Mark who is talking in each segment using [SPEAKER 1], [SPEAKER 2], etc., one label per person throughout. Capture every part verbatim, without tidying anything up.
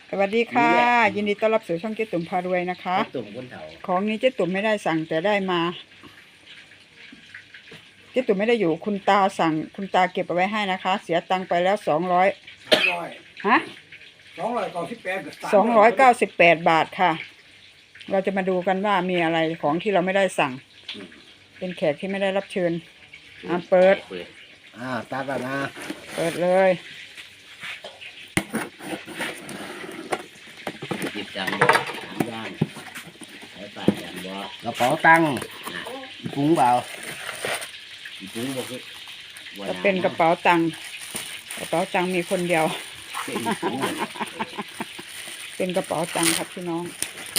[SPEAKER 1] สวัสดีค่ะยินดีต้อนรับสู่ช่องเจ๊ตุ่มพารวยนะคะ
[SPEAKER 2] ตุ่มคนเฒ่า
[SPEAKER 1] ของนี้เจ๊ตุ่มไม่ได้สั่งแต่ได้มาเจ๊ตุ่มไม่ได้อยู่คุณตาสั่งคุณตาเก็บเอาไว้ให้นะคะ เสียตังค์ไปแล้วสองร้อยฮะ
[SPEAKER 3] สองร้อยเก้าสิบแปด
[SPEAKER 1] สองร้อยเก้าสิบแปดบาทค่ะเราจะมาดูกันว่ามีอะไรของที่เราไม่ได้สั่งเป็นแขกที่ไม่ได้รับเชิญอ่ะเปิด
[SPEAKER 2] อ่าตากันนะ
[SPEAKER 1] เปิดเลย
[SPEAKER 2] จิบจังบ่ย่างใช้ปากจังบ่กระเป๋าตังค์ปุ้งเปล่าปุ้งบ่คือ
[SPEAKER 1] จะเป็นกระเป๋าตังค์กระเป๋าตังค์มีคนเดียวเป็นกระเป๋าตังค์ครับพี่น้อง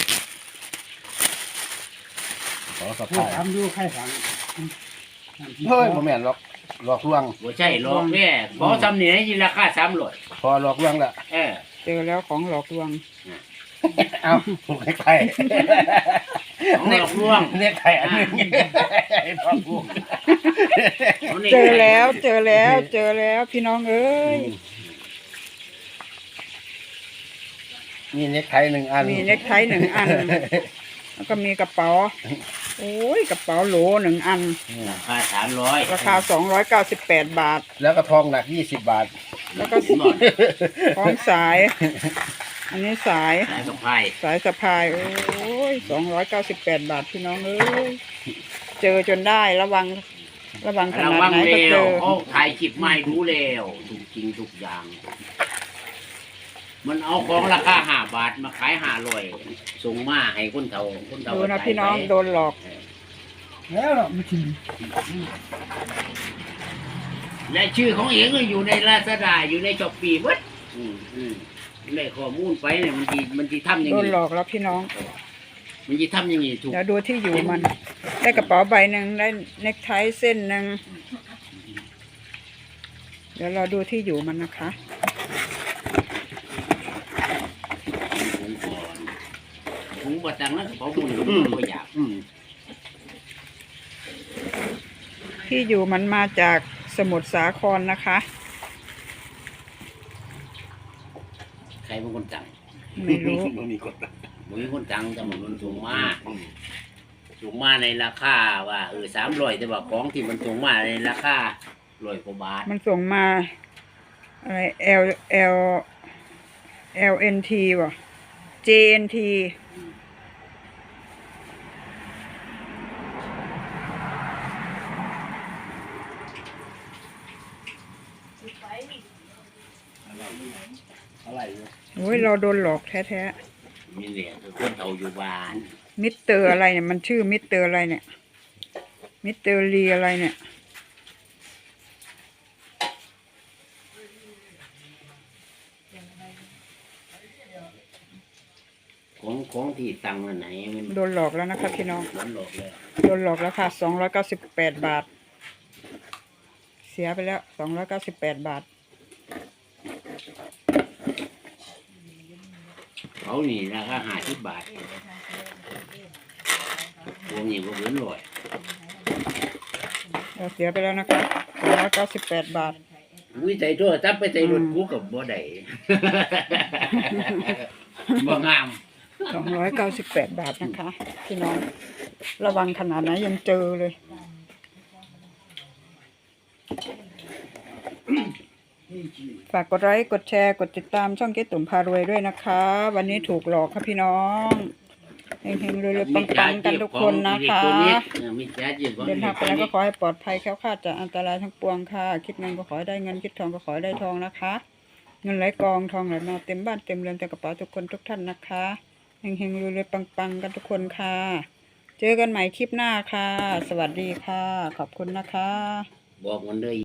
[SPEAKER 2] ขอสะพาย
[SPEAKER 3] ทำดูใครสั่ง
[SPEAKER 2] เฮ้ยบ่แม่นหรอกหลอกลวงบ่ใช่หลอกแม่บ่ทำนี่ให้ราคาสามร้อยพอหลอกลวงละเออ
[SPEAKER 1] เจอแล้วของหลอกลวง
[SPEAKER 2] เอาเน็กไข่เน็กลวงเน็กไข่อันนี้
[SPEAKER 1] เจอแล้วเจอแล้วเจอแล้วพี่น้องเอ้ย
[SPEAKER 2] มีเน็กไทหนึ่งอัน
[SPEAKER 1] มีเน็กไทหนึ่งอันแล้วก็มีกระเป๋าโอ้ยกระเป๋าโหลหนึ่งอัน
[SPEAKER 2] ราคาสามร้อย
[SPEAKER 1] ราคาสองร้อยเก้าสิบแปดบาท
[SPEAKER 2] แล้วก็ทองหนักยี่สิบบาท
[SPEAKER 1] แล้วก็ทองสายอันนี้สาย
[SPEAKER 2] สายสะพาย
[SPEAKER 1] สายสะพายโอ้ยสองร้อยเก้าสิบแปดบาทพี่น้องเอ้ยเจอจนได้ระวังระวังขนาดไหนก็เจอ
[SPEAKER 2] เขาถ่ายคลิปไม่รู้แล้วถูกจริงทุกอย่างมันเอาของราคาห้าบาทมาขายห้าร้อยส่งมาให้คนเฒ่าคนเฒ่า
[SPEAKER 1] ดูนะพี่น้องโดนหลอก
[SPEAKER 3] แล้วเราไม่ชิม
[SPEAKER 2] และชื่อของเองก็อยู่ในลาซาด้าอยู่ในช้อปปี้วัดอืมอืมได้ข้อมูลไปเนี่ยมันดีมันดีทำอย่างนี้
[SPEAKER 1] โดนหลอกแล้วพี่น้อง
[SPEAKER 2] มันดีทำอย่างนี้ถูก
[SPEAKER 1] เดี๋ยวดูที่อยู่มันได้กระเป๋าใบหนึ่งได้เน็กไทเส้นหนึ่งเดี๋ยวเราดูที่อยู่มันนะคะ
[SPEAKER 2] ผมบอกตังนั้นเขาบุญก็อยาก
[SPEAKER 1] ที่อยู่มันมาจากสมุทรสาครนะคะ
[SPEAKER 2] ใครเป็นคนจัง
[SPEAKER 1] ไม่รู้
[SPEAKER 2] มันมีคนจังมันมีคนจังแต่มันสูงมากสูงมาในราคาว่าเออสามร้อยแต่ว่าของที่มันสูงมาในราคาร้อยกว่าบาท
[SPEAKER 1] มันส่งมาอะไร L L L N T ว่ะ J N T
[SPEAKER 2] อะไร
[SPEAKER 1] โอ้ยเราโดนหลอกแท้
[SPEAKER 2] ๆมีเหรียญคนเฒ่าอยู่บ้าน
[SPEAKER 1] มิสเตอร์อะไรเนี่ยมันชื่อมิสเตอร์อะไรเนี่ยมิสเตอร์ลีอะไรเนี่ย
[SPEAKER 2] ของของที่ตังค์ไหนมัน
[SPEAKER 1] โดนหลอกแล้วนะครับพี่น้อง
[SPEAKER 2] โดนหลอกแล้ว
[SPEAKER 1] โดนหลอกแล้วค่ะสองร้อยเก้าสิบแปดบาทเสียไปแล้วสองร้อยเก้าสิบแปดบาท
[SPEAKER 2] เขานี่ราคาห้าสิบบาทวงนี้ก็เหมือนลอย
[SPEAKER 1] เราเสียไปแล้วนะคะสองร้อยเก้าสิบแปดบาท
[SPEAKER 2] วิจัยตัวจับไปใจรถกูกับบ่ได้บ่งาม
[SPEAKER 1] สองร้อยเก้าสิบแปดบาทนะคะพี่น้องระวังขนาดไหนยังเจอเลยฝากกดไลค์กดแชร์กดติดตามช่องเจ๊ตุ่มพารวยด้วยนะคะวันนี้ถูกหลอกค่ะพี่น้องเฮงๆรวยๆปังๆกันทุกคนนะคะเดินทางไปแล้วก็ขอให้ปลอดภัยแคล้วคลาดจากอันตรายทั้งปวงค่ะคิดเงินก็ขอได้เงินคิดทองก็ขอได้ทองนะคะเงินไหลกองทองไหลมาเต็มบ้านเต็มเรือนเต็มกระเป๋าทุกคนทุกท่านนะคะเฮงๆรวยๆปังๆกันทุกคนค่ะเจอกันใหม่คลิปหน้าค่ะสวัสดีค่ะขอบคุณนะคะ
[SPEAKER 2] บอกมันเลย